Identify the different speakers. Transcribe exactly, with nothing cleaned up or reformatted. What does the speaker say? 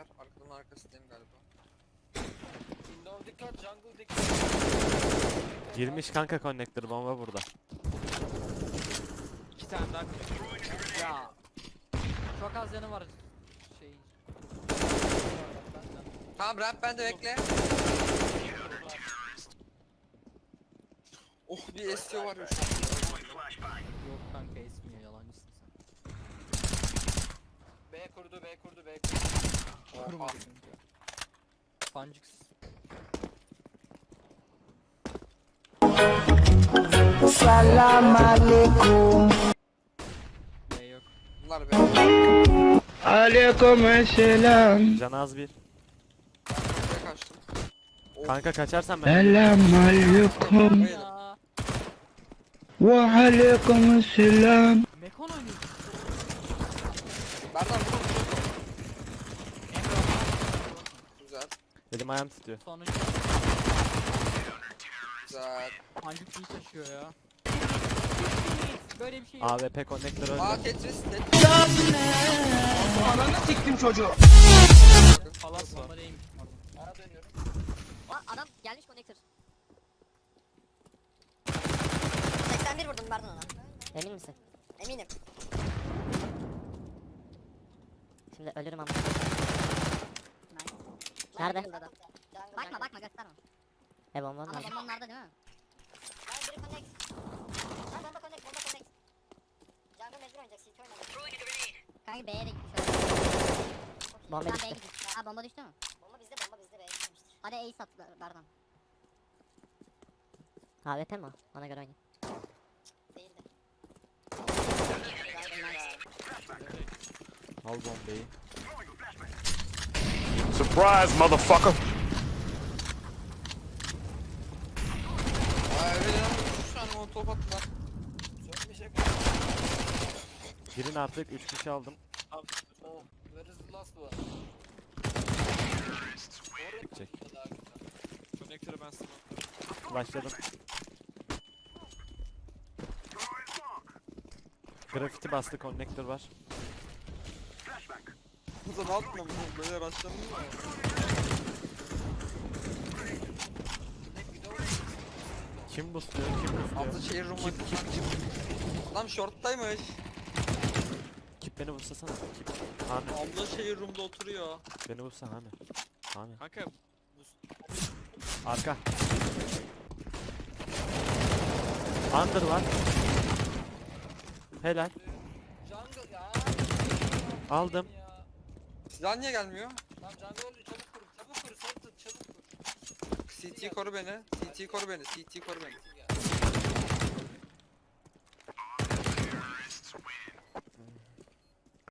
Speaker 1: Bekler. Arkadan arkasındayım galiba.
Speaker 2: Window dikkat, jungle dikkat.
Speaker 3: Girmiş kanka connector bomba burada.
Speaker 2: İki tane daha connector.
Speaker 4: Ya. Çok az yanı var şeyin.
Speaker 1: Tamam ramp bende bekle. Oh bir S T O var ya şu an.
Speaker 4: Yok kanka esmiyor, yalancısın sen.
Speaker 2: B kurdu, B kurdu, B kurdu.
Speaker 4: Kurma kanka. Pancıksız.
Speaker 5: Salam alaikum.
Speaker 4: B yok.
Speaker 1: Bunlar be.
Speaker 5: Aleyküm selam.
Speaker 3: Can az bir.
Speaker 1: Buraya kaçtım. Oh.
Speaker 3: Kanka kaçarsan ben.
Speaker 5: Selam aleyküm.
Speaker 4: Ya.
Speaker 5: Ve aleyküm selam.
Speaker 4: Mekon oynuyorsun.
Speaker 1: Berdan vur. Güzel.
Speaker 3: Elim ayağım titriyor.
Speaker 4: Sonuncu
Speaker 1: Güzel.
Speaker 4: pancık iyi taşıyor ya. Böyle bir şey yok.
Speaker 3: A W P connector öldü.
Speaker 1: Aa Tetris. Tetris.
Speaker 5: Ananı siktim çocuğu.
Speaker 4: Palas var. Değilmiş, pardon.
Speaker 2: Bana dönüyorum.
Speaker 6: Aa, adam gelmiş connector. seksen bir vurdum Berdan ona.
Speaker 7: Emin misin?
Speaker 6: Eminim.
Speaker 7: Şimdi ölürüm ama.
Speaker 6: Nice.
Speaker 7: Nerede?
Speaker 6: Jungle'da adam. Bakma bakma gösterme.
Speaker 7: E bomba
Speaker 6: Ama
Speaker 7: nerede?
Speaker 6: bomba onlarda değil mi? Ben biri connect. Ben bomba connect, bomba connect. Jungle mecbur oynayacak, C T oynayacak. Kanka B'ye de gitmiş.
Speaker 7: Bomba
Speaker 6: Ben
Speaker 7: düştü.
Speaker 6: B'ye gitmiş. Ha bomba düştü mü? Bomba bizde, bomba bizde B'ye gitmiştir. Hadi Ace at Ber- Berdan.
Speaker 7: A W P mi o? Ona göre oynayayım.
Speaker 6: Değildi.
Speaker 3: Al bombayı.
Speaker 8: Surprise, motherfucker.
Speaker 1: Aa evet lan. üç tane molotof attılar.
Speaker 2: Sönmeyecek.
Speaker 3: Girin artık üç kişi aldım.
Speaker 2: Oh, where is the last one?
Speaker 3: Çek.
Speaker 2: Connector'ı ben sana.
Speaker 3: Başladım. Grafiti bastı connector var.
Speaker 1: Bu da ne yaptın böyle rastladın mı?
Speaker 3: Kim boostluyor? Kim boostluyor?
Speaker 1: Altı şehir room var. Adam shorttaymış.
Speaker 3: Kip beni vursasana. Kip. Hami.
Speaker 1: Abla şehir room'da oturuyor.
Speaker 3: Beni vursa Hami. Hami.
Speaker 2: Kanka
Speaker 3: Arka. Under var. Helal.
Speaker 2: jungle ya.
Speaker 3: Aldım.
Speaker 2: Ya.
Speaker 1: Silah niye gelmiyor?
Speaker 2: Lan jungle öldü, çabuk kur, çabuk kur, Sultan, çabuk kur.
Speaker 1: C T koru beni. C T koru beni. C T koru beni.
Speaker 2: Ya.